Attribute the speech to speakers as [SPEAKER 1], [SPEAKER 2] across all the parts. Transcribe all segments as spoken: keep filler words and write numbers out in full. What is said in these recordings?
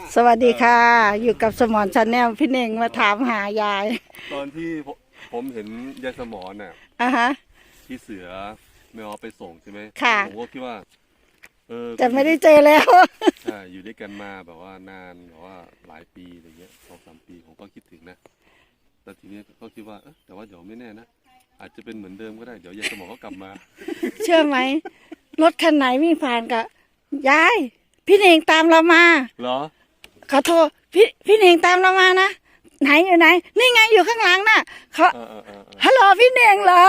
[SPEAKER 1] สวัสดีค่ะอยู่กับสมรชาแนลพี่เน่งมาถามหายาย
[SPEAKER 2] ตอนที่ผมเห็นยายสมรน่ะ
[SPEAKER 1] อ่ะฮะ
[SPEAKER 2] ที่เสือไม่เอาไปส่งใช่ไหม
[SPEAKER 1] ค่ะ
[SPEAKER 2] ผมก็คิดว่าเออ
[SPEAKER 1] จะไม่ได้เจอแล้ว
[SPEAKER 2] ใช่อยู่ด้วยกันมาแบบว่านานแบบว่าหลายปีอะไรเงี้ยสองสามปีผมก็คิดถึงนะแต่ทีนี้ก็คิดว่าเออแต่ว่าเดี๋ยวไม่แน่นะอาจจะเป็นเหมือนเดิมก็ได้เดี๋ยวยายสมรก็กลับมา
[SPEAKER 1] เชื่อไหมรถคันไหนวิ่งผ่านกับยายพี่เน่งตามเรามา
[SPEAKER 2] เหรอ
[SPEAKER 1] ขอโทษพี่พี่เน่งตามเรามานะไหนอยู่ไหนนี่ไงอยู่ข้างหลังน่ะเขา
[SPEAKER 2] เออเออเออเออ
[SPEAKER 1] ฮัลโหลพี่เน่งเหรอ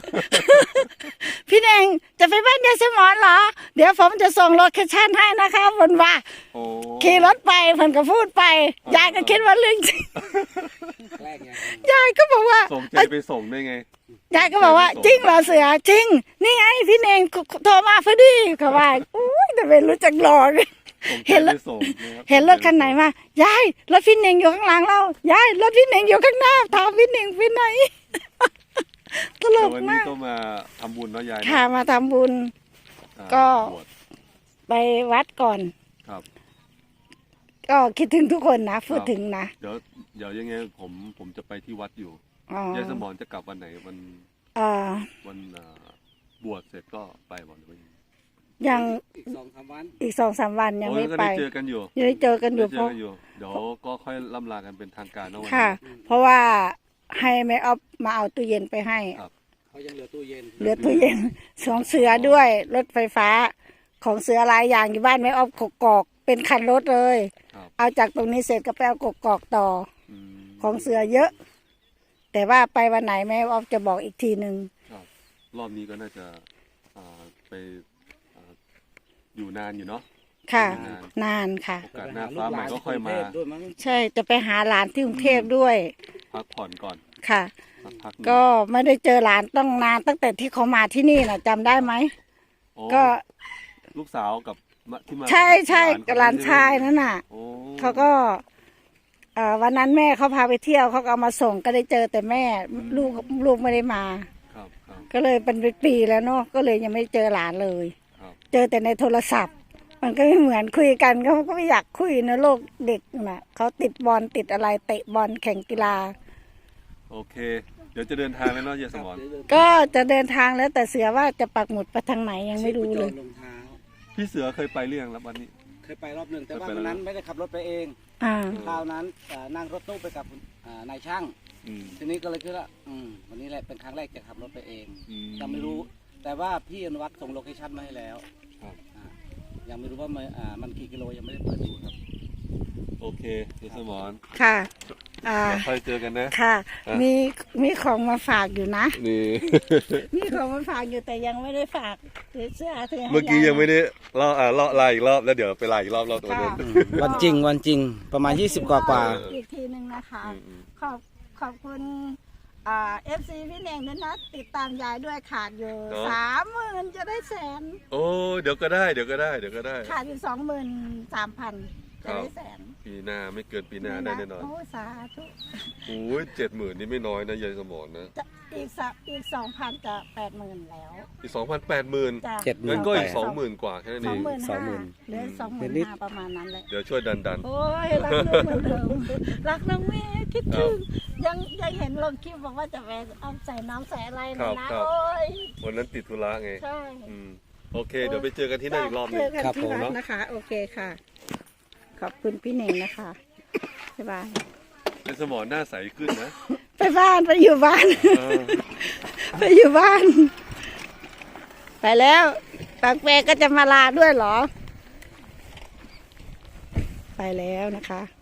[SPEAKER 1] พี่เน่งจะไปบ้านยายสมรเหรอเดี๋ยวผมจะส่งโลเคชั่นให้นะคะบนว่า
[SPEAKER 2] โอ้
[SPEAKER 1] ขี่รถไปเพิ่นก็พูดไปยายก็คิดว่าเรื่องจริง
[SPEAKER 3] แรกไง
[SPEAKER 1] ยายก็บอกว่า
[SPEAKER 2] ส่งใจไปส่งได้ไง
[SPEAKER 1] ยายก็บอกว่าจริงเหรอเสือจริง นี่ไงพี่เน่งโทรมาพอดีเขาว่าอุ้ยแต่เป็นรู้จักหลอก
[SPEAKER 2] ส่งใจ
[SPEAKER 1] เห็นร
[SPEAKER 2] ไป
[SPEAKER 1] ถ
[SPEAKER 2] ส่งนะครับ
[SPEAKER 1] เห็นรถคันไหนมายายรถพี่เน่งอยู่ข้างหลังเรายายรถพี่เน่งอยู่ข้างหน้าถามพี่เน่งไปไหน ตล
[SPEAKER 2] แต่
[SPEAKER 1] ก
[SPEAKER 2] วันนี้
[SPEAKER 1] มาก
[SPEAKER 2] ก็มาทำบุญเนาะยายเนอะ
[SPEAKER 1] ค่ะมาทำบุญ
[SPEAKER 2] อ่า
[SPEAKER 1] ก็
[SPEAKER 2] บวช
[SPEAKER 1] ไปวัดก่อน
[SPEAKER 2] ครับ
[SPEAKER 1] ก็คิดถึงทุกคนนะพูดถึงนะ
[SPEAKER 2] เดี๋ยวเดี๋ยวยังไงผมผมจะไปที่วัดอยู่
[SPEAKER 1] อ๋อย
[SPEAKER 2] ายสมรจะกลับวันไหนวัน
[SPEAKER 1] อ่า
[SPEAKER 2] วันเอ่อบวชเสร็จก็ไปบ่หรือว่ายังไง
[SPEAKER 1] ยัง
[SPEAKER 3] อีกสองสามวัน
[SPEAKER 1] อีกสองสามวันยัง
[SPEAKER 2] โอ้
[SPEAKER 1] ไม่
[SPEAKER 2] ก็
[SPEAKER 1] ไป
[SPEAKER 2] ได้เจอกันอยู่
[SPEAKER 1] ยังได้เจอกันอยู่
[SPEAKER 2] ได้
[SPEAKER 1] เพ
[SPEAKER 2] เจอ
[SPEAKER 1] ราะ
[SPEAKER 2] กันอยู่เดี๋ยวก็ค่อยล่ำลากันเป็นทางการเนาะวัน
[SPEAKER 1] ค่ะ
[SPEAKER 2] นี้
[SPEAKER 1] เพราะว่าให้แม่ออฟมาเอาตู้เย็นไปให้
[SPEAKER 2] ครับ
[SPEAKER 3] เขายังเหลือตู้เย็น
[SPEAKER 1] เหลือตู้เย็นสองเสือด้วยรถไฟฟ้าของเสือหลายอย่างอยู่บ้านแม่ออฟกกอกเป็นคันรถเลย
[SPEAKER 2] ครับ
[SPEAKER 1] เอาจากตรงนี้เสร็จก็ไปเอากกอกต่อ
[SPEAKER 2] อืม
[SPEAKER 1] ของเสือเยอะ แต่ว่าไปวันไหนแม่ออฟจะบอกอีกทีหนึ่ง
[SPEAKER 2] ครับรอบนี้ก็น่าจะอ่าไปอ่าอยู่นานอยู่เนาะ
[SPEAKER 1] ค่ะ
[SPEAKER 2] นาน
[SPEAKER 1] นานค่ะ
[SPEAKER 2] โอกาสหน้าฟ้าใหม่ก็ค่อยมา
[SPEAKER 3] ด้วยมั้ง
[SPEAKER 1] ใช่จะไปหาหลานที่กรุงเทพด้วย
[SPEAKER 2] พักผ่อนก่อน
[SPEAKER 1] ค่ะ
[SPEAKER 2] สักพักหนึ่ง
[SPEAKER 1] ก็ไม่ได้เจอหลานต้องนานตั้งแต่ที่เขามาที่นี่นะจำได้ไหม
[SPEAKER 2] โอ้
[SPEAKER 1] ก็
[SPEAKER 2] ลูกสาวกับมะที่มา
[SPEAKER 1] ใช่ใช่
[SPEAKER 2] กับ
[SPEAKER 1] หลานชายนั่นน่ะ
[SPEAKER 2] โอ้
[SPEAKER 1] เขาก็เอ่อวันนั้นแม่เขาพาไปเที่ยวเขาก็เอามาส่งก็ได้เจอแต่แม่ลูกลูกไม่ได้มา
[SPEAKER 2] ครับครับ
[SPEAKER 1] ก็เลยเป็นปีแล้วเนาะก็เลยยังไม่เจอหลานเลย
[SPEAKER 2] ครับ
[SPEAKER 1] เจอแต่ในโทรศัพท์ มันก็ไม่เหมือนคุยกันเขาก็ไม่อยากคุยนะโลกเด็กน่ะเขาติดบอลติดอะไรเตะบอลแข่งกีฬา
[SPEAKER 2] โอเค เดี๋ยวจะเดินทางแล้วเนาะยายสมร
[SPEAKER 1] ก็จะเดินทางแล้วแต่เสือว่าจะปักหมุดไปทางไหนยังไม่รู้เลย
[SPEAKER 3] รองเท้า
[SPEAKER 2] พี่เสือเคยไปเรื่องแล้ววันนี้
[SPEAKER 3] เคยไปรอบหนึ่งแต่ว่า
[SPEAKER 2] เคยไป
[SPEAKER 3] วันนั้น
[SPEAKER 2] แล้ว
[SPEAKER 3] ไม่ได้ขับรถไปเอง
[SPEAKER 1] อ่า
[SPEAKER 3] คราวนั้นเอ่อนั่งรถตู้ไปกับอ่านายช่าง
[SPEAKER 2] อืม
[SPEAKER 3] ทีนี้ก็เลยคิดว่าอืมวันนี้แหละเป็นครั้งแรกจะขับรถไปเอง
[SPEAKER 2] อืม
[SPEAKER 3] ยังไม่รู้ แต่ว่าพี่อนุวัฒน์ส่งโลเคชั่นมาให้แล้ว
[SPEAKER 2] ครับ
[SPEAKER 3] อ่ายังไม่รู้ว่ามันอ่ามันกี่กิโลยังไม่ได้เปิดดูครับ
[SPEAKER 2] โอเคยายสมร
[SPEAKER 1] ค่ะอ่า
[SPEAKER 2] เดี๋ยวค่อยเจอกันนะ
[SPEAKER 1] ค่ะ
[SPEAKER 2] อ่ะ
[SPEAKER 1] มีมีของมาฝากอยู่นะ
[SPEAKER 2] นี่
[SPEAKER 1] มีของมาฝากอยู่แต่ยังไม่ได้ฝากเดี๋ยวเสื้อเธอให้
[SPEAKER 2] เมื่อกี้
[SPEAKER 1] า
[SPEAKER 2] ยังไม่ได้เล่าอ่าเล่าไล่อีกรอบแล้วเดี๋ยวไปไล่อีกรอบรอบตัว
[SPEAKER 1] ค่ะ
[SPEAKER 2] นั้น
[SPEAKER 3] วันจริงวันจริงประมาณยี่สิบกว่ากว่า
[SPEAKER 1] อีกทีหนึ่งนะคะ
[SPEAKER 2] อืมอืม
[SPEAKER 1] ขอบขอบคุณอ่าเอฟซีพี่เน่งด้วยนะติดตามยายด้วยขาดอยู่สามหมื่นจะได้แสน
[SPEAKER 2] โอ้เดี๋ยวก็ได้เดี๋ยวก็ได้เดี๋ยวก็ได้
[SPEAKER 1] ขาดอยู่สองหมื่นสามพันจะได้แสน
[SPEAKER 2] ปีหน้าไม่เกินปีหน้าได้แน่นอน
[SPEAKER 1] โอ้สาธุ
[SPEAKER 2] โอ้ยเจ็ดหมื่นนี่ไม่น้อยนะยายสมรนะ
[SPEAKER 1] จะอีกสักอีกสองพันจะแปดหมื่นแล้ว
[SPEAKER 2] อีกสองพันแปดหมื่น
[SPEAKER 1] จะ
[SPEAKER 3] เจ็ดหมื่
[SPEAKER 2] งั้นก็อีกสองหมื่นกว่าแค่นั้น
[SPEAKER 1] ส
[SPEAKER 2] เอ
[SPEAKER 1] อง
[SPEAKER 2] ง
[SPEAKER 1] หมื่น
[SPEAKER 3] สอ
[SPEAKER 1] ห้าง
[SPEAKER 3] หมื่น
[SPEAKER 1] เหลือสองหมื่น
[SPEAKER 3] นิด
[SPEAKER 1] ห้าประมาณนั้นเลย
[SPEAKER 2] เดี๋ยวช่วยดันดัน
[SPEAKER 1] โอ้ยรักลูกเหมือนเดิมรักน้องเมย์คิดถึงยังยังเห็นลงคลิปบอกว่าจะไปเอาใส่น้ำใส่อะไรนะนะโอ้ย
[SPEAKER 2] วันนั้นติดธุระไง
[SPEAKER 1] ใช่
[SPEAKER 2] อืมโอเค เดี๋ยวไปเจอกันที่นั่นอีกรอบหนึ
[SPEAKER 1] เจ
[SPEAKER 2] ง
[SPEAKER 1] อกัน
[SPEAKER 3] ครับ
[SPEAKER 1] ที่
[SPEAKER 3] ผม
[SPEAKER 1] วัดนะคะ โอเคค่ะ ขอบคุณพี่เน่งนะคะบ๊ายบาย
[SPEAKER 2] ยายสมรหน้าใสขึ้นนะ
[SPEAKER 1] ไปบ้านไปอยู่บ้าน
[SPEAKER 2] เออ
[SPEAKER 1] ไปอยู่บ้าน ไปแล้วปากแปรก็จะมาลาด้วยเหรอ ไปแล้วนะคะ